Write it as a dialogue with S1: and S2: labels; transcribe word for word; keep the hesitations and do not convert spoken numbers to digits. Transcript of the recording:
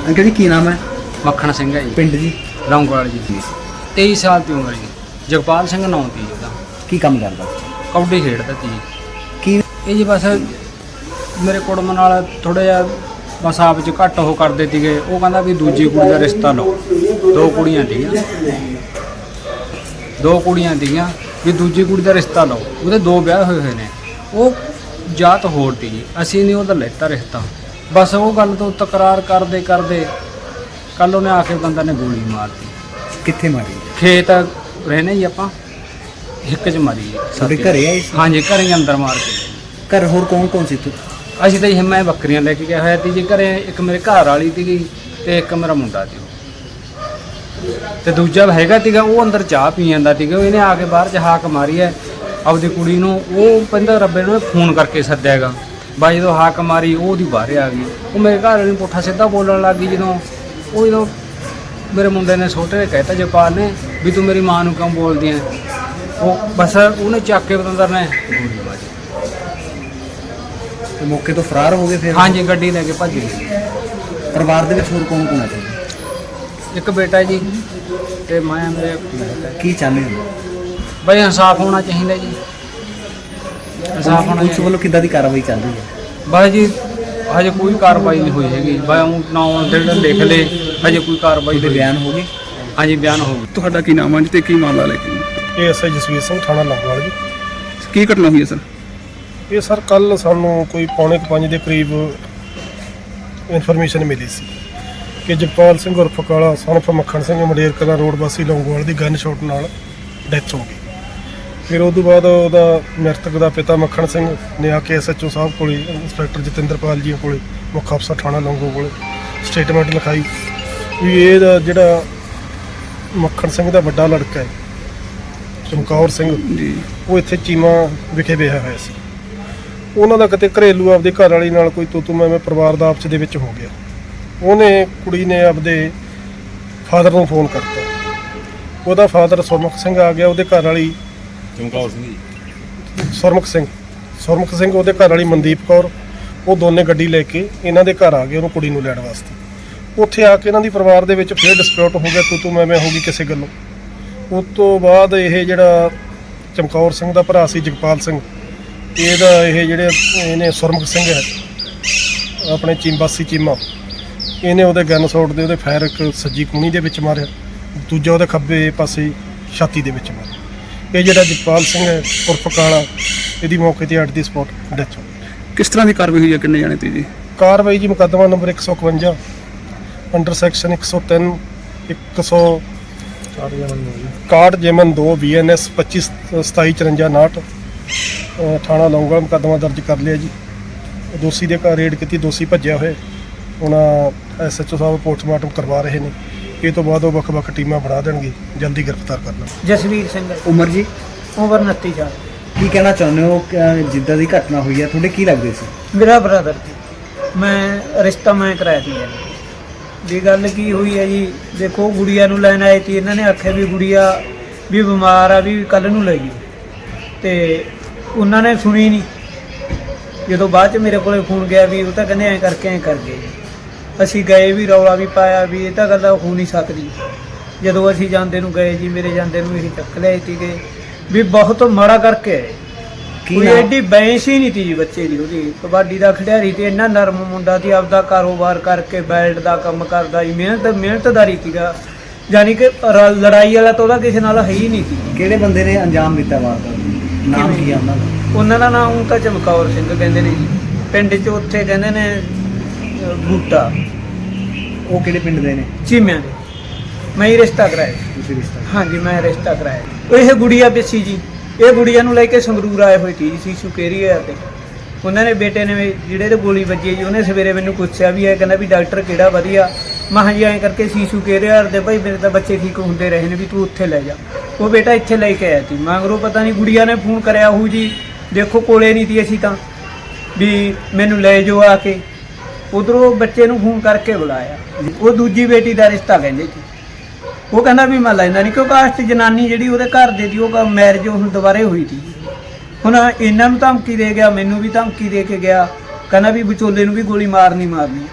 S1: Uncle जी की नाम है?
S2: मक्खन सिंह है जी,
S1: पिंड जी
S2: लौंगोवाल जी। तेईस साल की उम्र जी। जगपाल सिंह नाम ती जी।
S1: की काम करदा?
S2: कबड्डी खेडदा ती जी।
S1: की
S2: ਇਹ ਜੀ ਬਸ ਮੇਰੇ ਕੁੜਮ ਨਾਲ ਥੋੜਾ ਜਿਹਾ ਬਸ ਆਪ ਚ ਘੱਟ ਉਹ ਕਰਦੇ ਸੀਗੇ। ਉਹ ਕਹਿੰਦਾ ਵੀ ਦੂਜੀ ਕੁੜੀ ਦਾ ਰਿਸ਼ਤਾ ਲਓ। ਦੋ ਕੁੜੀਆਂ ਸੀਗੀਆਂ ਦੋ ਕੁੜੀਆਂ ਸੀਗੀਆਂ ਵੀ ਦੂਜੀ ਕੁੜੀ ਦਾ ਰਿਸ਼ਤਾ ਲਓ। ਉਹਦੇ ਦੋ ਵਿਆਹ ਹੋਏ ਹੋਏ ਨੇ। ਉਹ ਜਾਤ ਹੋਰ ਤੀ ਜੀ, ਅਸੀਂ ਨਹੀਂ ਉਹਦਾ ਲੈਤਾ ਰਿਸ਼ਤਾ। ਬਸ ਉਹ ਗੱਲ ਤੋਂ ਤਕਰਾਰ ਕਰਦੇ ਕਰਦੇ ਕੱਲ ਉਹਨੇ ਆ ਕੇ ਬੰਦਾ ਨੇ ਗੋਲੀ ਮਾਰਤੀ।
S1: कित्थे मारी?
S2: ਖੇਤ ਰਹਿੰਦੇ ਜੀ ਆਪਾਂ, ਹਿੱਕ 'ਚ ਮਾਰੀ ਜੀ।
S1: ਤੁਹਾਡੇ ਘਰੇ ਆਏ ਸੀ?
S2: ਹਾਂਜੀ, ਘਰੇ ਹੀ ਅੰਦਰ ਮਾਰ ਕੇ।
S1: घर होर कौन कौन सी तू?
S2: ਅਸੀਂ ਤਾਂ ਜੀ ਮੈਂ ਬੱਕਰੀਆਂ ਲੈ ਕੇ ਗਿਆ ਹੋਇਆ ਸੀ ਜੀ ਘਰੇ। ਇੱਕ ਮੇਰੇ ਘਰ ਵਾਲੀ ਸੀਗੀ ਤੇ ਇੱਕ ਮੇਰਾ ਮੁੰਡਾ ਸੀ ਤੇ ਦੂਜਾ ਹੈਗਾ ਸੀਗਾ ਉਹ ਅੰਦਰ ਚਾਹ ਪੀ ਜਾਂਦਾ ਸੀਗਾ। ਇਹਨੇ ਆ ਕੇ ਬਾਹਰ 'ਚ ਹਾਕ ਮਾਰੀ ਹੈ ਆਪਦੀ ਕੁੜੀ ਨੂੰ। ਉਹ ਕਹਿੰਦਾ ਰੱਬੇ ਨੂੰ ਫੋਨ ਕਰਕੇ ਸੱਦਿਆ ਹੈਗਾ। ਬਾਈ ਜਦੋਂ ਹਾਕ ਮਾਰੀ ਉਹ ਉਹਦੀ ਬਾਹਰ ਆ ਗਈ। ਉਹ ਮੇਰੇ ਘਰ ਵਾਲੇ ਨੂੰ ਪੁੱਠਾ ਸਿੱਧਾ ਬੋਲਣ ਲੱਗ ਗਈ। ਜਦੋਂ ਉਹ ਜਦੋਂ ਮੇਰੇ ਮੁੰਡੇ ਨੇ ਛੋਟੇ ਨੇ ਕਹਿਤਾ ਜਪਾਲ ਨੇ ਵੀ ਤੂੰ ਮੇਰੀ ਮਾਂ ਨੂੰ ਕਿਉਂ ਬੋਲਦੀ ਹੈ। ਉਹ ਬਸ ਉਹਨੇ ਚੱਕ ਕੇ ਬਤੰਦਰ ਨੇ ਗੋਲੀ ਮਾਰੀ।
S1: तो मौके तो फरार हो गए फिर?
S2: ਹਾਂਜੀ, ਗੱਡੀ ਲੈ ਕੇ ਭੱਜ ਗਈ।
S1: परिवार दे विच होर कौन कौन है?
S2: ਇੱਕ ਬੇਟਾ ਜੀ ਤੇ ਮੈਂ ਮੇਰੇ
S1: की चाहते हो?
S2: ਬਈ ਇਨਸਾਫ ਹੋਣਾ ਚਾਹੀਦਾ ਜੀ। ਇਨਸਾਫ ਹੋਣਾ
S1: पुलिस वालों किद्दां दी कार्रवाई चल रही है?
S2: ਬਸ ਜੀ ਹਜੇ ਕੋਈ ਕਾਰਵਾਈ ਨਹੀਂ ਹੋਈ ਹੈਗੀ। ਬਈ ਉਹ ਨਾਮ ਜਿਹੜੇ ਲਿਖ ਲੇ, ਹਜੇ ਕੋਈ ਕਾਰਵਾਈ
S1: कोई
S2: ਹੋਈ।
S1: बयान हो गए?
S2: ਹਾਂਜੀ, ਬਿਆਨ ਹੋ ਗਈ।
S3: ਤੁਹਾਡਾ ਕੀ ਨਾਮ ਹੈ ਜੀ ਤੇ ਕੀ ਮਾਮਲਾ ਲੈ ਕੇ?
S4: ਇਹ ਐਸਆਈ ਜਸਵੀਰ ਸਿੰਘ ਥਾਣਾ ਲੌਂਗੋਵਾਲ ਜੀ।
S3: ਕੀ ਘਟਨਾ ਹੋਈ ਹੈ ਸਰ?
S4: ਇਹ ਸਰ ਕੱਲ ਸਾਨੂੰ ਕੋਈ ਪੌਣੇ ਕੁ ਪੰਜ ਦੇ ਕਰੀਬ ਇਨਫੋਰਮੇਸ਼ਨ ਮਿਲੀ ਸੀ ਕਿ ਜਗਪਾਲ ਸਿੰਘ ਉਰਫ ਕਾਲਾ ਸਨ ਆਫ ਮੱਖਣ ਸਿੰਘ ਮੰਡੇਰ ਕਲਾਂ ਰੋਡ ਵਾਸੀ ਲੌਂਗੋਵਾਲ ਦੀ ਗਨ ਸ਼ਾਟ ਨਾਲ ਡੈਥ ਹੋ ਗਈ। ਫਿਰ ਉਸ ਤੋਂ ਬਾਅਦ ਉਹਦਾ ਮ੍ਰਿਤਕ ਦਾ ਪਿਤਾ ਮੱਖਣ ਸਿੰਘ ਨੇ ਆ ਕੇ ਐਸਐਚਓ ਸਾਹਿਬ ਕੋਲੇ, ਇੰਸਪੈਕਟਰ ਜਤਿੰਦਰਪਾਲ ਜੀ ਕੋਲੇ, ਮੁੱਖ ਅਫਸਰ ਥਾਣਾ ਲੌਂਗੋ ਕੋਲੇ ਸਟੇਟਮੈਂਟ ਲਿਖਾਈ ਵੀ ਇਹਦਾ ਜਿਹੜਾ ਮੱਖਣ ਸਿੰਘ ਦਾ ਵੱਡਾ ਲੜਕਾ ਹੈ ਚਮਕੌਰ ਸਿੰਘ
S3: ਜੀ,
S4: ਉਹ ਇੱਥੇ ਚੀਮਾ ਵਿਖੇ ਵਿਆਹਿਆ ਹੋਇਆ ਸੀ। ਉਹਨਾਂ ਦਾ ਕਿਤੇ ਘਰੇਲੂ ਆਪਦੇ ਘਰ ਵਾਲੀ ਨਾਲ ਕੋਈ ਤੂੰ ਤੂੰ ਮੈਂ ਮੈਂ ਪਰਿਵਾਰ ਦਾ ਆਪਸ ਦੇ ਵਿੱਚ ਹੋ ਗਿਆ। ਉਹਨੇ ਕੁੜੀ ਨੇ ਆਪਦੇ ਫਾਦਰ ਨੂੰ ਫੋਨ ਕਰਤਾ। ਉਹਦਾ ਫਾਦਰ ਸੁਰਮੁਖ ਸਿੰਘ ਆ ਗਿਆ। ਉਹਦੇ ਘਰ ਵਾਲੀ ਚਮਕੌਰ ਸਿੰਘ ਜੀ ਸੁਰਮੁਖ ਸਿੰਘ ਸੁਰਮੁਖ ਸਿੰਘ ਉਹਦੇ ਘਰ ਵਾਲੀ ਮਨਦੀਪ ਕੌਰ, ਉਹ ਦੋਨੇ ਗੱਡੀ ਲੈ ਕੇ ਇਹਨਾਂ ਦੇ ਘਰ ਆ ਗਏ ਉਹਨੂੰ ਕੁੜੀ ਨੂੰ ਲੈਣ ਵਾਸਤੇ। ਉੱਥੇ ਆ ਕੇ ਇਹਨਾਂ ਦੀ ਪਰਿਵਾਰ ਦੇ ਵਿੱਚ ਫਿਰ ਡਿਸਪਿਊਟ ਹੋ ਗਿਆ, ਤੂੰ ਤੂੰ ਮੈਂ ਮੈਂ ਹੋ ਗਈ ਕਿਸੇ ਗੱਲੋਂ। ਉਸ ਤੋਂ ਬਾਅਦ ਇਹ ਜਿਹੜਾ ਚਮਕੌਰ ਸਿੰਘ ਦਾ ਭਰਾ ਸੀ ਜਗਪਾਲ ਸਿੰਘ, ਇਹਦਾ ਇਹ ਜਿਹੜੇ ਇਹਨੇ ਸੁਰਮੁਖ ਸਿੰਘ ਹੈ ਆਪਣੇ ਚੀਮਬਾਸੀ ਚੀਮਾ, ਇਹਨੇ ਉਹਦੇ ਗਨ ਸ਼ਾਟ ਦੇ ਉਹਦੇ ਫਾਇਰ ਇੱਕ ਸੱਜੀ ਕੂਣੀ ਦੇ ਵਿੱਚ ਮਾਰਿਆ, ਦੂਜਾ ਉਹਦੇ ਖੱਬੇ ਪਾਸੇ ਛਾਤੀ ਦੇ ਵਿੱਚ ਮਾਰਿਆ। ਇਹ ਜਿਹੜਾ ਜਗਪਾਲ ਸਿੰਘ ਹੈ ਉਰਫ ਕਾਲਾ, ਇਹਦੀ ਮੌਕੇ ਤੇ ਅੱਡ ਦੀ ਸਪੌਟ ਡੈਥ ਹੋ ਗਈ।
S3: ਕਿਸ ਤਰ੍ਹਾਂ ਦੀ ਕਾਰਵਾਈ ਹੋਈ ਹੈ? ਕਿੰਨੇ ਜਾਣੇ ਤੇ ਜੀ?
S4: ਕਾਰਵਾਈ ਜੀ ਮੁਕੱਦਮਾ ਨੰਬਰ ਇੱਕ ਸੌ ਇਕਵੰਜਾ ਅੰਡਰ ਸੈਕਸ਼ਨ ਇੱਕ ਸੌ ਤਿੰਨ ਇੱਕ ਸੌ ਇਕਾਹਠ ਜੇਮਨ ਦੋ ਬੀ ਐਨ ਐਸ ਪੱਚੀ ਸਤਾਈ ਚੁਰੰਜਾ ਉਨਾਹਠ ਥਾਣਾ ਲੌਂਗੋਵਾਲ ਮੁਕੱਦਮਾ ਦਰਜ ਕਰ ਲਿਆ ਜੀ। ਦੋਸ਼ੀ ਦੇ ਘਰ ਰੇਡ ਕੀਤੀ, ਦੋਸ਼ੀ ਭੱਜਿਆ ਹੋਇਆ। ਹੁਣ ਐਸਐਚਓ ਸਾਹਿਬ ਪੋਸਟਮਾਰਟਮ ਕਰਵਾ ਰਹੇ ਨੇ। ਇਹ ਤੋਂ ਬਾਅਦ ਉਹ ਵੱਖ-ਵੱਖ ਟੀਮਾਂ ਬਣਾ ਦੇਣਗੇ, ਜਲਦੀ ਗ੍ਰਿਫਤਾਰ ਕਰਨਾ।
S2: ਜਸਵੀਰ ਸਿੰਘ
S1: उम्र जी
S2: ਉਮਰ ਉਨੱਤੀ ਸਾਲ।
S1: की कहना चाਹੁੰਦੇ ਹੋ ਕਿ ਜਿੱਦਾਂ ਦੀ ਘਟਨਾ ਹੋਈ ਹੈ ਤੁਹਾਡੇ ਕੀ ਲੱਗਦੇ ਸੀ?
S5: ਮੇਰਾ ਬ੍ਰਦਰ ਸੀ। ਮੈਂ ਰਿਸ਼ਤਾ ਮੈਂ ਕਰਾਇਆ ਸੀ ਜੀ। ਗੱਲ ਕੀ ਹੋਈ ਹੈ ਜੀ, ਦੇਖੋ ਗੁੜੀਆ ਨੂੰ ਲੈਣ ਆਏ ਸੀ। ਇਹਨਾਂ ਨੇ ਆਖਿਆ ਵੀ ਗੁੜੀਆ ਵੀ ਬਿਮਾਰ ਆ, ਵੀ ਕੱਲ ਨੂੰ ਲੈ ਗਈ। ਤੇ ਉਹਨਾਂ ਨੇ ਸੁਣੀ ਨਹੀਂ। ਜਦੋਂ ਬਾਅਦ ਚ ਮੇਰੇ ਕੋਲੇ ਫੋਨ ਗਿਆ ਵੀ ਉਹ ਤਾਂ ਕਹਿੰਦੇ ਐਂ ਕਰਕੇ ਐਂ ਕਰ ਗਏ। ਅਸੀਂ ਗਏ ਵੀ, ਰੌਲਾ ਵੀ ਪਾਇਆ ਵੀ ਇਹ ਤਾਂ ਗੱਲ ਹੋ ਨਹੀਂ ਸਕਦੀ। ਜਦੋਂ ਅਸੀਂ ਜਾਂਦੇ ਨੂੰ ਗਏ ਜੀ, ਮੇਰੇ ਜਾਂਦੇ ਨੂੰ ਇਹੀ ਚੱਕ ਲਿਆਏ ਸੀਗੇ ਵੀ ਬਹੁਤ ਮਾੜਾ ਕਰਕੇ ਆਏ। ਕੋਈ ਐਡੀ ਬੈਂਸ ਹੀ ਨਹੀਂ ਤੀ ਜੀ ਬੱਚੇ ਦੀ। ਉਹਦੀ ਕਬੱਡੀ ਦਾ ਖਿਡਾਰੀ ਤੇ ਇੰਨਾ ਨਰਮ ਮੁੰਡਾ ਸੀ, ਆਪਦਾ ਕਾਰੋਬਾਰ ਕਰਕੇ ਬੈਲਟ ਦਾ ਕੰਮ ਕਰਦਾ ਜੀ। ਮਿਹਨਤ ਮਿਹਨਤਦਾਰੀ ਸੀਗਾ, ਯਾਨੀ ਕਿ ਰ- ਲੜਾਈ ਵਾਲਾ ਤਾਂ ਉਹਦਾ ਕਿਸੇ ਨਾਲ ਹੈ ਹੀ ਨਹੀਂ ਸੀ।
S1: ਕਿਹੜੇ ਬੰਦੇ ਨੇ ਅੰਜਾਮ ਦਿੱਤਾ ਵਾਰਦਾਤ? ਨਾਮ ਕੀ ਆ ਉਹਨਾਂ ਦਾ?
S5: ਉਹਨਾਂ ਦਾ ਨਾਮ ਤਾਂ ਚਮਕੌਰ ਸਿੰਘ ਕਹਿੰਦੇ ਨੇ ਜੀ। ਪਿੰਡ 'ਚ ਉੱਥੇ ਕਹਿੰਦੇ ਨੇ ਅ, ਬੂਟਾ,
S1: ਉਹ ਕਿਹੜੇ ਪਿੰਡ ਦੇ ਨੇ?
S5: ਚੀਮਿਆਂ ਦੇ। ਮੈਂ ਹੀ ਰਿਸ਼ਤਾ ਕਰਾਇਆ।
S1: ਤੁਸੀਂ ਰਿਸ਼ਤਾ?
S5: ਹਾਂਜੀ, ਮੈਂ ਰਿਸ਼ਤਾ ਕਰਾਇਆ। ਇਹ ਗੁੜੀਆ ਪਿੱਛੀ ਜੀ, ਇਹ ਗੁੜੀਆ ਨੂੰ ਲੈ ਕੇ ਸੰਗਰੂਰ ਆਏ ਹੋਏ ਸੀ ਸੀਸੂ ਕੇਰੀਆ ਤੇ। ਉਹਨਾਂ ਨੇ ਬੇਟੇ ਨੇ ਵੀ ਜਿਹੜੇ ਤੇ ਗੋਲੀ ਵੱਜੀ ਜੀ, ਉਹਨੇ ਸਵੇਰੇ ਮੈਨੂੰ ਪੁੱਛਿਆ ਵੀ ਇਹ ਕਹਿੰਦਾ ਵੀ ਡਾਕਟਰ ਕਿਹੜਾ ਵਧੀਆ। ਮੈਂ ਕਿਹਾ ਜੀ ਐਂ ਕਰਕੇ ਸੀਸੂ ਕੇਰੀਆ ਦੇ ਭਾਈ ਮੇਰੇ ਤਾਂ ਬੱਚੇ ਠੀਕ ਹੁੰਦੇ ਰਹੇ ਨੇ, ਵੀ ਤੂੰ ਉੱਥੇ ਲੈ ਜਾ। ਉਹ ਬੇਟਾ ਇੱਥੇ ਲੈ ਕੇ ਆਇਆ ਸੀ। ਮਗਰੋਂ ਪਤਾ ਨਹੀਂ ਗੁੜੀਆ ਨੇ ਫੋਨ ਕਰਿਆ ਹੋਊ ਜੀ, ਦੇਖੋ ਕੋਲੇ ਨਹੀਂ ਸੀ ਅਸੀਂ ਤਾਂ, ਵੀ ਮੈਨੂੰ ਲੈ ਜਾਓ ਆ ਕੇ। ਉਧਰੋਂ ਬੱਚੇ ਨੂੰ ਫੋਨ ਕਰਕੇ ਬੁਲਾਇਆ। ਉਹ ਦੂਜੀ ਬੇਟੀ ਦਾ ਰਿਸ਼ਤਾ ਕਹਿੰਦੇ ਸੀ। ਉਹ ਕਹਿੰਦਾ ਵੀ ਮੈਂ ਲੈਂਦਾ ਨਹੀਂ, ਕਿਉਂਕਿ ਕਾਸਟ ਜਨਾਨੀ ਜਿਹੜੀ ਉਹਦੇ ਘਰ ਦੇ ਦੀ ਉਹ ਮੈਰਿਜ ਹੁਣ ਦੁਬਾਰੇ ਹੋਈ ਸੀ। ਹੁਣ ਇਹਨਾਂ ਨੂੰ ਧਮਕੀ ਦੇ ਗਿਆ, ਮੈਨੂੰ ਵੀ ਧਮਕੀ ਦੇ ਕੇ ਗਿਆ। ਕਹਿੰਦਾ ਵੀ ਵਿਚੋਲੇ ਨੂੰ ਵੀ ਗੋਲੀ ਮਾਰਨੀ ਮਾਰਨੀ।